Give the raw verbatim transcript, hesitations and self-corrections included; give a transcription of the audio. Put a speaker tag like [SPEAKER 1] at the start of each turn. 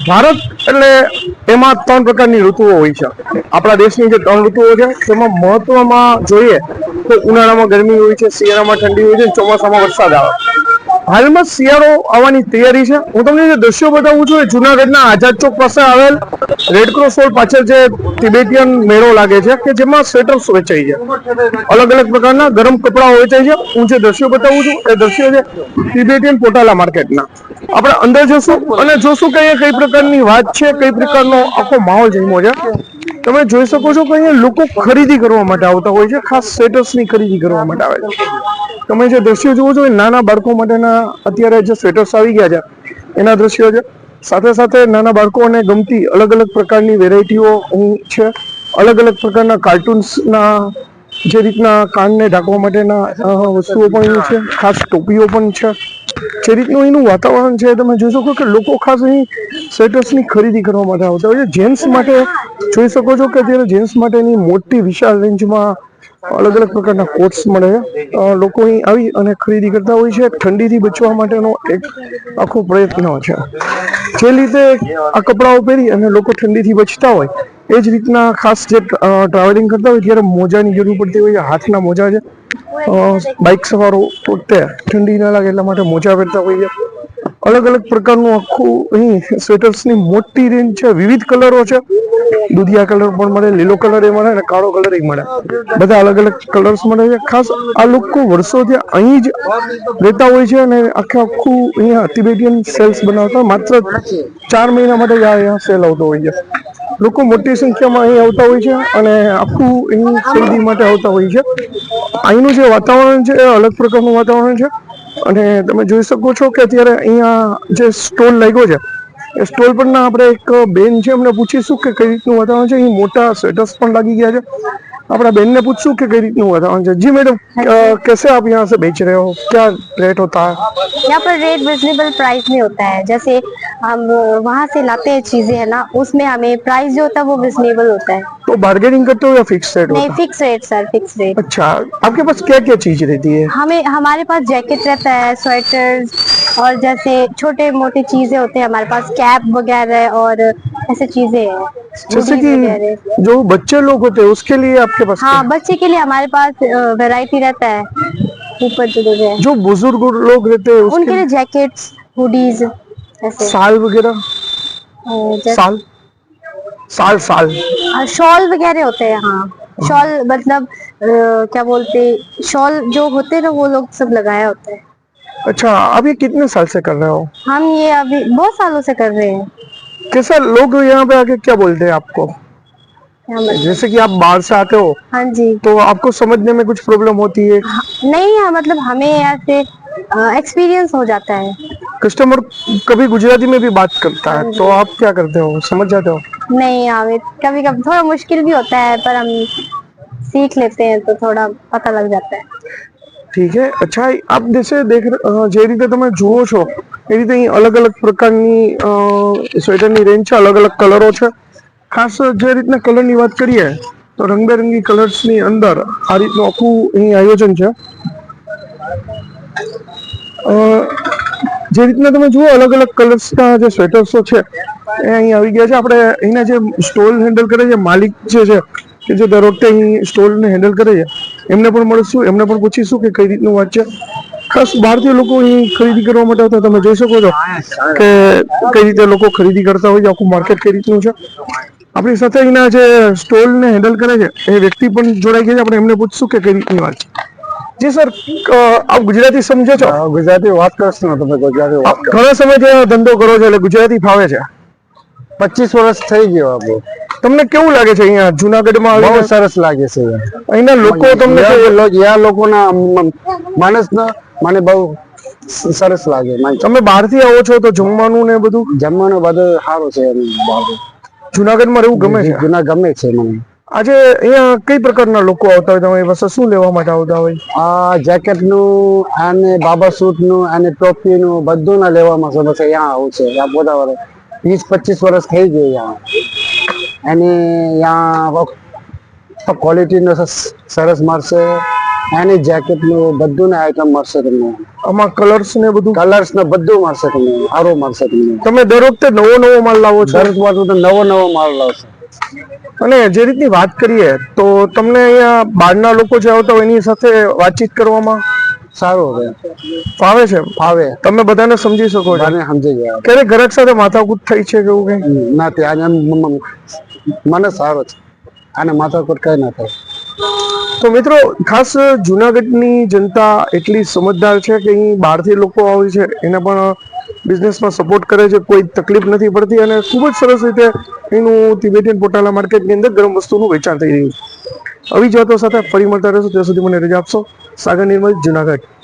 [SPEAKER 1] ભારત એટલે એમાં ત્રણ પ્રકારની ઋતુઓ હોય છે. આપણા દેશની જે ત્રણ ઋતુઓ છે તેમાં મહત્વમાં જોઈએ તો ઉનાળામાં ગરમી હોય છે, શિયાળામાં ઠંડી હોય છે, ચોમાસામાં વરસાદ આવે. હાલમાં શિયાળો આવવાની તૈયારી છે. હું તમને જે દ્રશ્યો બતાવું છું એ જુનાગઢના આઝાદ ચોક પાસે આવેલ રેડક્રોસ રોડ પાછળ જે તિબેટિયન મેળો લાગે છે કે જેમાં સ્વેટર્સ વેચાય છે, અલગ અલગ પ્રકારના ગરમ કપડાઓ વેચાય છે. હું જે દ્રશ્યો બતાવું છું એ દ્રશ્યો છે તિબેટિયન પોટાલા માર્કેટના. આપણે અંદર જશું અને જોશું કે અહીંયા કઈ પ્રકારની વાત છે, કઈ પ્રકારનો આખો માહોલ જમ્યો છે. તમે જોઈ શકો છો કે અહીંયા લોકો ખરીદી કરવા માટે આવતા હોય છે, ખાસ સ્વેટર્સની ખરીદી કરવા માટે આવે છે. તમે જે દ્રશ્યો જુઓ છો એ નાના બાળકો માટેના અત્યારે જે સ્વેટર્સ આવી ગયા છે એના દ્રશ્યો છે. સાથે સાથે નાના બાળકોને ગમતી અલગ અલગ પ્રકારની વેરાયટીઓ અહીં છે. અલગ અલગ પ્રકારના કાર્ટૂન્સના જે રીતના કાનને ઢાંકવા માટેના વસ્તુઓ પણ અહીં છે, ખાસ ટોપીઓ પણ છે. જે રીતનું અહીંનું વાતાવરણ છે તમે જોઈ શકો કે લોકો ખાસ અહીં સ્વેટર્સની ખરીદી કરવા માટે આવતા હોય છે. જેન્ટ્સ માટે જોઈ શકો છો કે અત્યારે જેન્ટ્સ માટેની મોટી વિશાળ રેન્જમાં અલગ અલગ પ્રકારના કોટ્સ મળે છે. લોકો અહીં આવી અને ખરીદી કરતા હોય છે. ઠંડીથી બચવા માટેનો એક આખો પ્રયત્ન છે. જે રીતે આ કપડાઓ પહેરી અને લોકો ઠંડીથી બચતા હોય એ જ રીતના ખાસ જે ટ્રાવેલિંગ કરતા હોય ત્યારે મોજાની જરૂર પડતી હોય છે. હાથના મોજા છે, બાઇક સવારો પોતે ઠંડી ના લાગે એટલા માટે મોજા પહેરતા હોય છે. અલગ અલગ પ્રકારનું આખું અહીં સ્વેટર્સની મોટી રેન્જ છે. વિવિધ કલરો છે, દુધિયા કલર પણ મળે, લીલો કલર એ મળે અને કાળો કલર એ મળે. બધા અલગ અલગ કલર્સ મળે છે. ખાસ આ લોકો વર્ષોથી અહીં જ રહેતા હોય છે અને આખે આખું અહીંયા તિબેટિયન સેલ્સ બનાવતા માત્ર ચાર મહિના માટે જ અહીંયા સેલ આવતો હોય છે. લોકો મોટી સંખ્યામાં અહીં આવતા હોય છે અને આખું અહીં ખરીદી માટે આવતા હોય છે. અહીંનું જે વાતાવરણ છે એ અલગ પ્રકારનું વાતાવરણ છે અને તમે જોઈ શકો છો કે અત્યારે અહીંયા જે સ્ટોલ લાગ્યો છે એ સ્ટોલ પરના આપણે એક બેન છે એમને પૂછીશું કે કઈ રીતનું વાતાવરણ છે. અહીં મોટા સ્વેટર્સ પણ લાગી ગયા છે. अपना बहन ने पूछूं कि कई रीतनु वातावरण है। जी मैडम, कैसे आप यहाँ से बेच रहे हो, क्या रेट होता है?
[SPEAKER 2] यहाँ पर रेट रिजनेबल प्राइस में होता है। जैसे हम वहाँ से लाते हैं चीजें है ना, उसमें हमें प्राइस जो होता है वो रिजनेबल होता है।
[SPEAKER 1] तो बार्गेनिंग करते हो या फिक्स रेट होता है?
[SPEAKER 2] नहीं, fix rate sir, fix rate.
[SPEAKER 1] अच्छा, आपके पास क्या क्या चीज रहती है?
[SPEAKER 2] हमें हमारे पास जैकेट रहता है, स्वेटर्स और जैसे छोटे मोटे चीजें होते हैं हमारे पास, कैप वगैरह और ऐसे चीजें हैं,
[SPEAKER 1] जैसे कि जो बच्चे लोग होते हैं उसके लिए आपके पास?
[SPEAKER 2] हाँ, बच्चे के लिए हमारे पास वैरायटी रहता है। ऊपर जो है
[SPEAKER 1] जो बुजुर्ग लोग रहते हैं
[SPEAKER 2] उनके लिए जैकेट्स, हुडीज, ऐसे
[SPEAKER 1] साल वगैरह, साल साल साल
[SPEAKER 2] शॉल वगैरह होते हैं। हाँ, शॉल मतलब आ, क्या बोलते, शॉल जो होते हैं ना वो लोग सब लगाया होता है।
[SPEAKER 1] अच्छा, आप ये कितने साल से कर रहे हो?
[SPEAKER 2] हम ये अभी बहुत सालों से कर रहे हैं।
[SPEAKER 1] कैसा लोग यहाँ पे आके क्या बोलते हैं आपको? जैसे कि आप बाहर से आते हो,
[SPEAKER 2] हाँ जी,
[SPEAKER 1] तो आपको समझने में कुछ प्रॉब्लम होती है?
[SPEAKER 2] हाँ, नहीं है, मतलब हमें ऐसे एक्सपीरियंस हो जाता है।
[SPEAKER 1] कस्टमर कभी गुजराती में भी बात करता है तो आप क्या करते हो, समझ जाते हो?
[SPEAKER 2] नहीं, हमें कभी कभी थोड़ा मुश्किल भी होता है पर हम सीख लेते हैं तो थोड़ा पता लग जाता है।
[SPEAKER 1] ठीक है। अच्छा, आप जैसे देख જે રીતે તમે જુઓ છો એ રીતે અહીં અલગ અલગ પ્રકારની સ્વેટરની રેન્જ છે, અલગ અલગ કલરો છે. ખાસ જે રીતના કલરની વાત કરીએ તો રંગબેરંગી કલર્સની અંદર આ રીતનું આખું અહીં આયોજન છે. જે રીતના તમે જુઓ અલગ અલગ કલર્સના જે સ્વેટર્સો છે એ અહીં આવી ગયા છે. આપણે અહીંના જે સ્ટોલ હેન્ડલ કરે છે માલિક જે છે કે જે દર વખતે અહીં સ્ટોલને હેન્ડલ કરે છે એમને પણ મળીશું, એમને પણ પૂછીશું કે કઈ રીતનું વાત છે. ખાસ ભારતીય લોકો અહીં ખરીદી કરવા માટે આવતા તમે જોઈ શકો છો કે કઈ રીતે લોકો ખરીદી કરતા હોય છે, આખું માર્કેટ કઈ રીતનું છે. આપણી સાથે અહીંના જે સ્ટોલને હેન્ડલ કરે છે એ વ્યક્તિ પણ જોડાઈ ગયા છે, આપણે એમને પૂછશું કે કઈ રીતની વાત છે. જી સર, આપ ગુજરાતી સમજો છો?
[SPEAKER 3] ગુજરાતી વાત કરશો ને તમે? ગુજરાતી વાત
[SPEAKER 1] ઘણા સમયથી ધંધો કરો છો એટલે ગુજરાતી ફાવે છે?
[SPEAKER 3] પચીસ વર્ષ થઈ ગયો આપણે.
[SPEAKER 1] તમને કેવું લાગે છે અહીંયા જુનાગઢમાં?
[SPEAKER 3] બહુ સરસ લાગે છે
[SPEAKER 1] અહીંના લોકો. તમને
[SPEAKER 3] યા લોકોના માણસના મને બહુ સરસ લાગે.
[SPEAKER 1] તમે બહારથી આવો છો તો જમવાનું ને બધું?
[SPEAKER 3] જમવાનું બધું સારું છે.
[SPEAKER 1] જુનાગઢમાં રહેવું ગમે છે?
[SPEAKER 3] જુના ગમે છે મને.
[SPEAKER 1] આજે અહીંયા કઈ પ્રકારના લોકો આવતા હોય તમારી પાસે? શું લેવા માટે આવતા હોય?
[SPEAKER 3] આ જેકેટ નું અને બાબા સૂટ નું અને ટોપી નું બધું ના લેવામાં છે. બસ અહીંયા આવું છે. यहाँ બધા વર્ષ વીસ પચીસ વર્ષ થઈ ગયું यहाँ. અને यहाँ ક્વોલિટી નો સરસ મળશે એની જેકેટ નું બધું ને આઈટમ મળશે તમને.
[SPEAKER 1] આમાં કલર્સ ને બધું
[SPEAKER 3] કલર્સ ને બધું મળશે તમને, સારું મળશે તમને.
[SPEAKER 1] તમે દર વખતે નવો નવો માલ લાવો છો?
[SPEAKER 3] દરેક વાર તો નવો નવો માલ લાવશે.
[SPEAKER 1] અને જે રીતની વાત કરીએ તો તમને અહીંયા બહારના લોકો જે આવતા હોય એની સાથે વાતચીત કરવામાં
[SPEAKER 3] સારું હવે
[SPEAKER 1] ફાવે છે?
[SPEAKER 3] ફાવે,
[SPEAKER 1] તમે બધાને સમજી શકો છો?
[SPEAKER 3] મને સમજી ગયા.
[SPEAKER 1] ક્યારે ગ્રાહક સાથે માથાકૂટ થઈ છે કે એવું કઈ?
[SPEAKER 3] નથી, આને મ- મ- મને સારો છે, આને માથાકૂટ કઈ ના થાય.
[SPEAKER 1] તો મિત્રો ખાસ જુનાગઢની જનતા એટલી સમજદાર છે કે અહીં બહારથી લોકો આવે છે એને પણ બિઝનેસમાં સપોર્ટ કરે છે, કોઈ તકલીફ નથી પડતી અને ખૂબ જ સરસ રીતે એનું તિબેટિયન પોટાલા માર્કેટની અંદર ગરમ વસ્તુનું વેચાણ થઈ રહ્યું છે. આવી જ વાતો સાથે ફરી મળતા રહેશું, ત્યાં સુધી મને રજા આપશો. સાગર નિર્મલ, જુનાગઢ.